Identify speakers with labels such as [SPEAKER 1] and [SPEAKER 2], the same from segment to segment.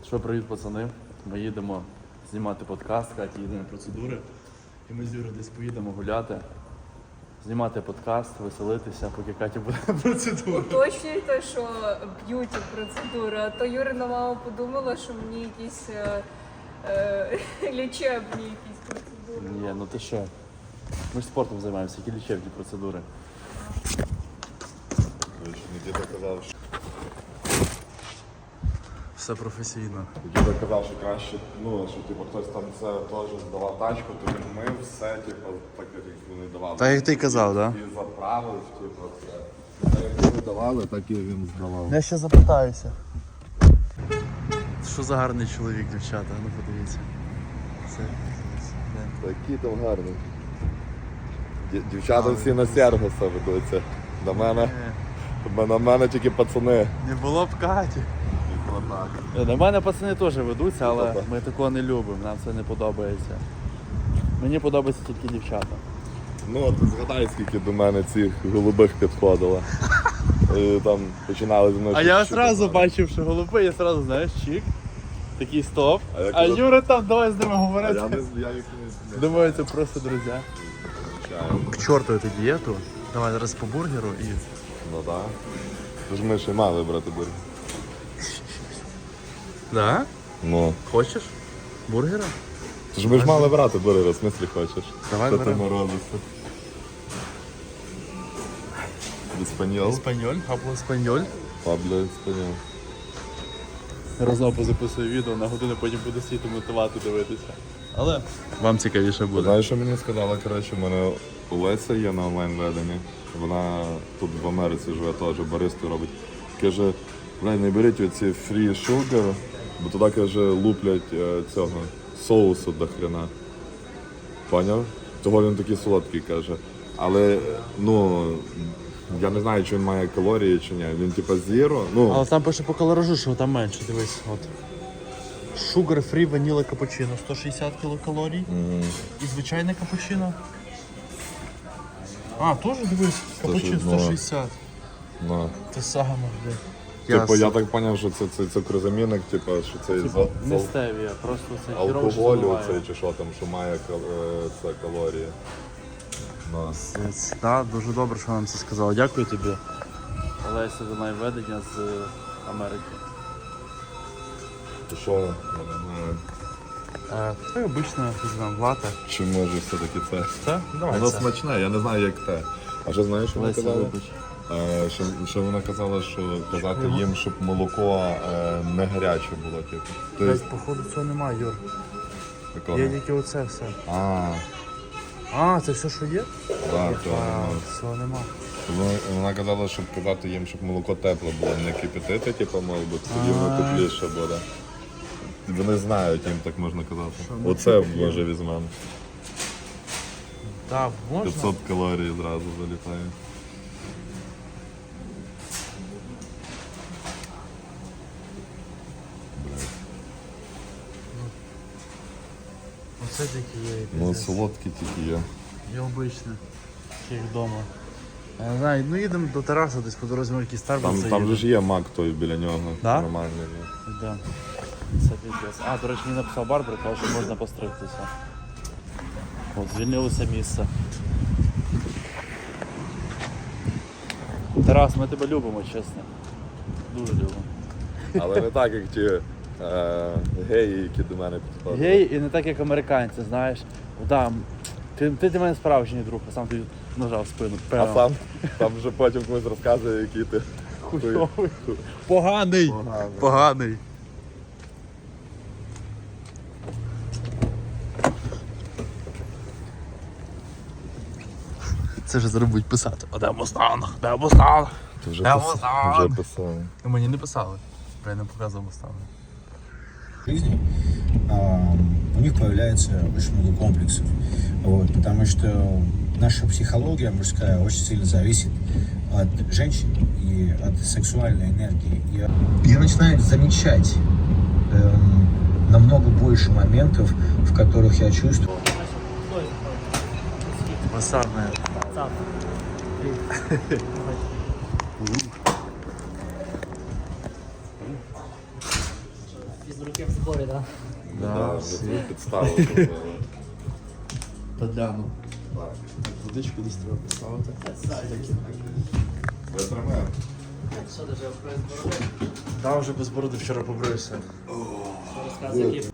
[SPEAKER 1] Що, привіт, пацани. Ми їдемо знімати подкаст, Катя їде на процедури. І ми з Юрою десь поїдемо гуляти, знімати подкаст, веселитися, поки Катя буде на процедурі.
[SPEAKER 2] Уточнюйте, що б'юті процедури, а то Юрина мама подумала, що мені якісь лічебні якісь процедури.
[SPEAKER 1] Ні, ну ти що? Ми ж спортом займаємося, які лічебні процедури.
[SPEAKER 3] Діда казав, що
[SPEAKER 1] Все професійно.
[SPEAKER 3] Діда казав, що краще, що типу, хтось там це теж здавав тачку, то він мив все, типу, так як вони давали.
[SPEAKER 1] Так як ти казав, так?
[SPEAKER 3] І заправив, типу, все. Так як вони давали, так і він здавав.
[SPEAKER 1] Я ще запитаюся. Що за гарний чоловік, дівчата, ну подивіться. Це...
[SPEAKER 3] Такі там гарні. Дівчата всі на Сергуса ведуться. На мене тільки пацани.
[SPEAKER 1] Не було б Каті. На мене пацани теж ведуться, але ми такого не любимо, нам це не подобається. Мені подобаються тільки дівчата.
[SPEAKER 3] Ну, ти згадай, скільки до мене цих голубих підходило. І там починали зі мною.
[SPEAKER 1] А я
[SPEAKER 3] щось
[SPEAKER 1] одразу
[SPEAKER 3] читати.
[SPEAKER 1] бачив, що голуби, я одразу, знаєш, чик, такий стоп.
[SPEAKER 3] А я
[SPEAKER 1] А
[SPEAKER 3] коли-
[SPEAKER 1] Юра там, давай з ними
[SPEAKER 3] А
[SPEAKER 1] говорити.
[SPEAKER 3] я їх не
[SPEAKER 1] Думаю, це просто друзі.
[SPEAKER 3] звичайно.
[SPEAKER 1] К чорту эту дієту. Давай зараз по бургеру і...
[SPEAKER 3] Ну так. Тож ми ще мали брати бургер.
[SPEAKER 1] Да?
[SPEAKER 3] Ну.
[SPEAKER 1] Хочеш? Бургера?
[SPEAKER 3] Тож ми ж мали брати бургер, в смислі хочеш.
[SPEAKER 1] Давай
[SPEAKER 3] Що ти
[SPEAKER 1] беремо.
[SPEAKER 3] морозишся? Іспаньол?
[SPEAKER 1] Еспаньоль, хабло еспаньоль.
[SPEAKER 3] Пабло іспаньол.
[SPEAKER 1] Разом позаписую відео, на годину потім буду сіти мотивати дивитися. Але вам цікавіше буде.
[SPEAKER 3] Знаєш, що мені сказала, коротше, в мене Олеся є на онлайн-веденні. Вона тут в Америці живе теж, баристу робить. Каже, не беріть оці free sugar, бо туди, каже, луплять цього соусу до хрена. Поняв? Того він такий солодкий, каже. Але, я не знаю, чи він має калорії чи ні. Він типа zero.
[SPEAKER 1] Але там пише по калоражу, що там менше, дивись. От. Sugar free vanilla капучино 160 кілокалорій. І звичайне капучино. А, теж дивись, капучино 160.
[SPEAKER 3] Ну.
[SPEAKER 1] Те саме, блядь.
[SPEAKER 3] Типу, я так зрозумів, що це цукрозамінник, типу, що це
[SPEAKER 1] Не стевія, просто це
[SPEAKER 3] алкоголю, цей чи що там, що має це калорії. Ну.
[SPEAKER 1] Так, дуже добре, що нам це сказали. Дякую тобі. Олеся за найведення з Америки.
[SPEAKER 3] То що?
[SPEAKER 1] Це обична візьмемо лате.
[SPEAKER 3] Чи може все-таки це?
[SPEAKER 1] Це? Давай
[SPEAKER 3] Воно
[SPEAKER 1] це.
[SPEAKER 3] смачне, я не знаю як те. А що знаєш, що вона
[SPEAKER 1] Леся,
[SPEAKER 3] казала?
[SPEAKER 1] вибач.
[SPEAKER 3] Що вона казала, що казати їм, щоб молоко не гаряче було, типу. Тобто,
[SPEAKER 1] Походу цього немає, Юр.
[SPEAKER 3] такого.
[SPEAKER 1] Є тільки оце все.
[SPEAKER 3] А,
[SPEAKER 1] Це все, що є?
[SPEAKER 3] так,
[SPEAKER 1] Цього нема.
[SPEAKER 3] Вона казала, щоб казати їм, щоб молоко тепле було, не кипятити, типу, мало бути, тоді воно тепліше буде. Вони знають, їм так можна казати. Оце може візьмемо.
[SPEAKER 1] Так, можна.
[SPEAKER 3] 500 калорій зразу залітає.
[SPEAKER 1] Оце тільки є.
[SPEAKER 3] Ну, солодкі тільки є.
[SPEAKER 1] І обичне. Як вдома. Я не знаю, їдемо до Тараса, десь по дорозі ми якийсь Старбакс
[SPEAKER 3] Там же ж є мак той біля нього,
[SPEAKER 1] Да?
[SPEAKER 3] нормальний.
[SPEAKER 1] Да. Це піздець. До речі, мені написав Барбара, каже, що можна постригтися. От, звільнилося місце. Тарас, ми тебе любимо, чесно. Дуже любимо.
[SPEAKER 3] Але не так, як ті геї, які до мене підходили.
[SPEAKER 1] Гей і не так, як американці, знаєш. Да, ти для мене справжній друг, а сам ти нажав в спину.
[SPEAKER 3] А сам там вже потім комусь розказує, який ти
[SPEAKER 1] Хуйовий. Поганий. Поганий. Це вже зараз будуть писати. Де Мустанг? Де Мустанг?
[SPEAKER 3] Ти вже
[SPEAKER 1] Мустанг?
[SPEAKER 3] писав.
[SPEAKER 1] Мені не писали. Я не показував Мустанг.
[SPEAKER 4] Жизни, у них появляется очень много комплексов. Вот, потому что наша психология мужская очень сильно зависит от женщин и от сексуальной энергии. И я начинаю замечать намного больше моментов, в которых я чувствую.
[SPEAKER 1] Масарне.
[SPEAKER 5] Из руки да?
[SPEAKER 3] Да, ми підставили зробили.
[SPEAKER 1] Тадляну. Водичку десь треба поставити.
[SPEAKER 3] Витримаємо.
[SPEAKER 5] Що ти вже без бороди?
[SPEAKER 1] Там вже без бороди вчора побрився.
[SPEAKER 5] Що розказує, які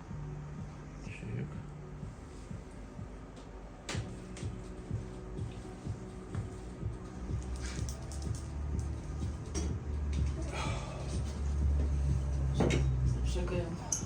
[SPEAKER 5] Шикаємо.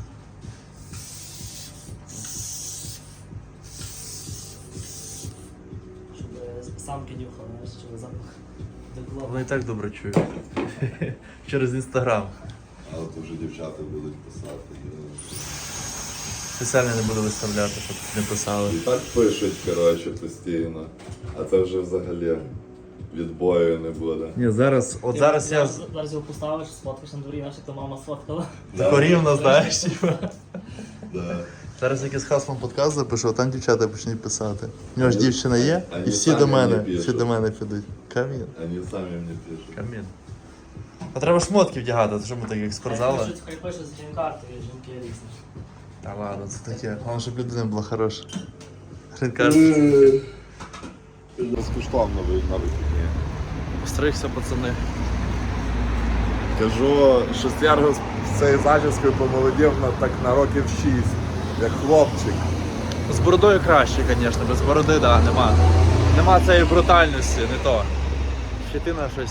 [SPEAKER 5] Щоб самки нюхали, знаєш, щоб запах доклав.
[SPEAKER 1] Вони і так добре чують. Через інстаграм.
[SPEAKER 3] Але то вже дівчата будуть писати.
[SPEAKER 1] Спеціально не буду виставляти, щоб не писали.
[SPEAKER 3] І так пишуть, коротше, постійно. А це вже взагалі відбою не буде.
[SPEAKER 1] Ні, зараз, от
[SPEAKER 5] Ти
[SPEAKER 1] зараз я
[SPEAKER 5] Зараз його поставиш, сфоткаєш на дворі, наче то мама сфоткала.
[SPEAKER 1] тако рівно, знаєш, типу.
[SPEAKER 3] Да.
[SPEAKER 1] Зараз якийсь хаслом подкаст запишу, а там дівчата почнуть писати. У нього ж дівчина є,
[SPEAKER 3] Вони
[SPEAKER 1] і всі
[SPEAKER 3] самі
[SPEAKER 1] до
[SPEAKER 3] мені
[SPEAKER 1] мене,
[SPEAKER 3] пишуть.
[SPEAKER 1] всі до мене підуть. Камін.
[SPEAKER 3] Вони самі мені пишуть.
[SPEAKER 1] Камін. А треба шмотки вдягати, то що ми так як спортзали?
[SPEAKER 5] Хай пише з грін-картою, жінки різні.
[SPEAKER 1] Та ладно, це таке. Головне, щоб людина була хороша. Грін-карт.
[SPEAKER 3] Безкоштовно ви на вихідні.
[SPEAKER 1] Стригся, пацани.
[SPEAKER 3] Кажу, шестярго з цією зачіскою помолодів на років 6, як хлопчик.
[SPEAKER 1] З бородою краще, звісно, без бороди, да, нема. Нема цієї брутальності, не то. Щетина щось.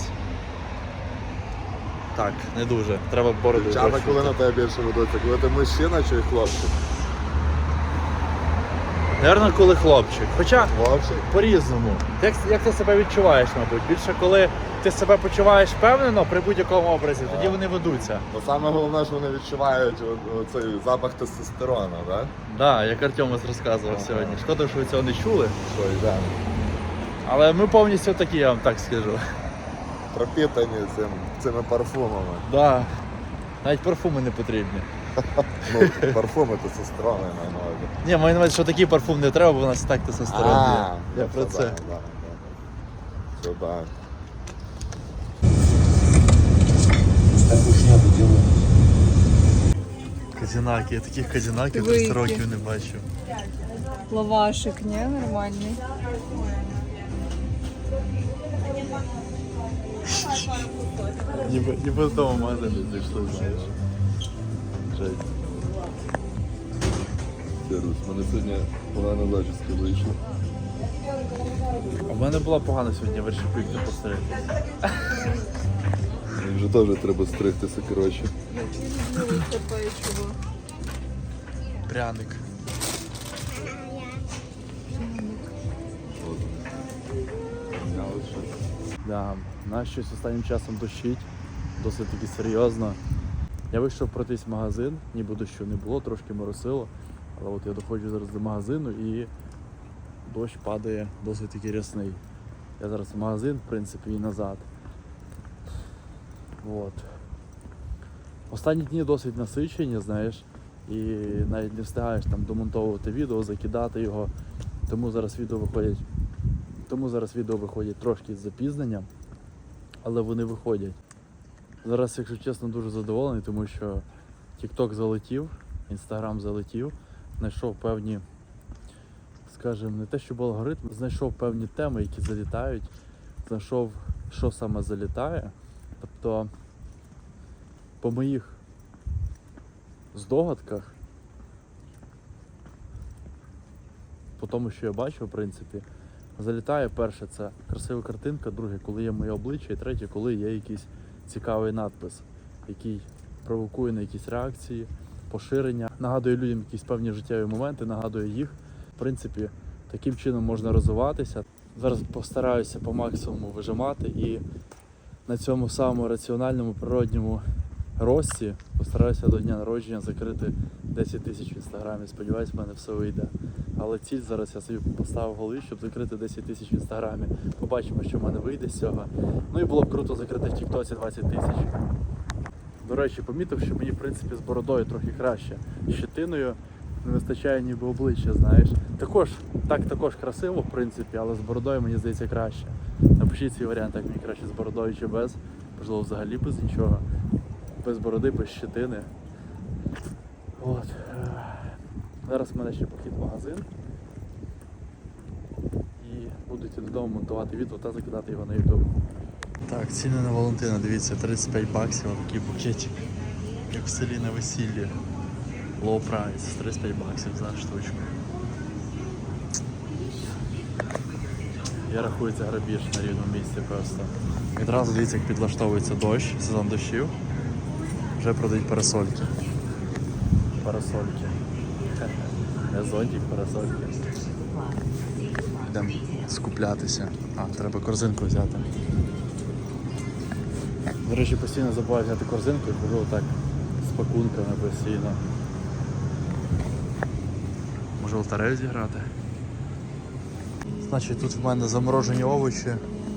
[SPEAKER 1] Так, не дуже. Треба бороду.
[SPEAKER 3] Дівчата,
[SPEAKER 1] трохи.
[SPEAKER 3] коли на тебе більше ведуться, коли ти мужчина чи хлопчик?
[SPEAKER 1] Наверно, коли хлопчик. Хоча
[SPEAKER 3] Хлопчик?
[SPEAKER 1] по-різному. Як ти себе відчуваєш, мабуть? Більше коли ти себе почуваєш впевнено при будь-якому образі, тоді вони ведуться.
[SPEAKER 3] Ну саме головне, що вони відчувають цей запах тестостерону, так?
[SPEAKER 1] Так, да, як Артемос розказував сьогодні. Шкода, що ви цього не чули.
[SPEAKER 3] Що, йдемо.
[SPEAKER 1] Але ми повністю такі, я вам так скажу.
[SPEAKER 3] Пропітані цими парфумами.
[SPEAKER 1] Да. Навіть парфуми не потрібні.
[SPEAKER 3] Ну, парфуми тестостерону, я маю на увазі.
[SPEAKER 1] Ні, маю на увазі, що такий парфум не треба, бо у нас і так тестостерон є. Я про це.
[SPEAKER 3] Да. Все так.
[SPEAKER 4] Такую шняпу делаю.
[SPEAKER 1] Казінаки, я таких казінаків
[SPEAKER 2] Великі.
[SPEAKER 1] 300 років не бачив.
[SPEAKER 2] Лавашик, ні, нормальний.
[SPEAKER 1] Ніби з дому магазину зайшли, знаєш. Жесть.
[SPEAKER 3] Русь, в мене сьогодні погана зачіска вийшла.
[SPEAKER 1] У мене була погана сьогодні вершипик не посеред.
[SPEAKER 3] Мені вже теж треба стригтися, коротше.
[SPEAKER 2] Це печиво.
[SPEAKER 1] Пряник.
[SPEAKER 3] От. Я от щось.
[SPEAKER 1] Да, нас щось останнім часом дощить, досить таки серйозно. Я вийшов пройтись в магазин, ніби дощу не було, трошки моросило. Але от я доходжу зараз до магазину і дощ падає досить таки рясний. Я зараз в магазин, в принципі, і назад. От. Останні дні досить насичені, знаєш, і навіть не встигаєш там домонтовувати відео, закидати його. Тому зараз відео виходять трошки з запізненням, але вони виходять. Зараз, якщо чесно, дуже задоволений, тому що TikTok залетів, Instagram залетів, знайшов певні, скажімо, не те, щоб алгоритм, знайшов певні теми, які залітають, знайшов, що саме залітає. Тобто, по моїх здогадках, по тому, що я бачу, в принципі, залітає перше це красива картинка, друге, коли є моє обличчя, і третє, коли є якийсь цікавий надпис, який провокує на якісь реакції, поширення, нагадує людям якісь певні життєві моменти, нагадує їх. В принципі, таким чином можна розвиватися. Зараз постараюся по максимуму вижимати і на цьому самому раціональному природньому рості постараюся до дня народження закрити 10 тисяч в інстаграмі. Сподіваюсь, в мене все вийде. Але ціль зараз я собі поставив в голові, щоб закрити 10 тисяч в інстаграмі. Побачимо, що в мене вийде з цього. Ну і було б круто закрити в Тіктоці 20 тисяч. До речі, помітив, що мені, в принципі, з бородою трохи краще. Щетиною не вистачає ніби обличчя, знаєш. Також красиво, в принципі, але з бородою, мені здається, краще. Напишіть свій варіант, як мені краще з бородою чи без. Можливо, взагалі без нічого. Без бороди, без щетини. От. Зараз в мене ще похід в магазин. І буду йти додому монтувати відео та закидати його на YouTube. Так, ціни на Валентина, дивіться, 35 баксів, такий букетик. Як в селі на весіллі. Low price, 35 баксів за штучку. Я рахую, це грабіж на рівному місці просто. Відразу дивіться, як підлаштовується дощ, сезон дощів. Вже продають парасольки. Парасольки. Не зонтик, парасольки. Йдемо скуплятися. Треба корзинку взяти. До речі, постійно забуваю взяти корзинку і ходжу отак з пакунками постійно. Може лотерею зіграти? Значить, тут в мене заморожені овочі,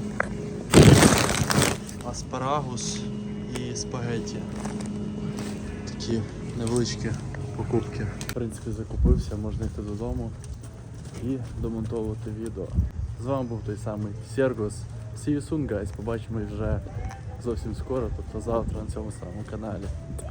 [SPEAKER 1] аспарагус і спагетті. Такі невеличкі покупки. В принципі, закупився, можна йти додому і домонтовувати відео. З вами був той самий Сергос. See you soon, guys. Побачимось вже зовсім скоро, тобто завтра на цьому самому каналі.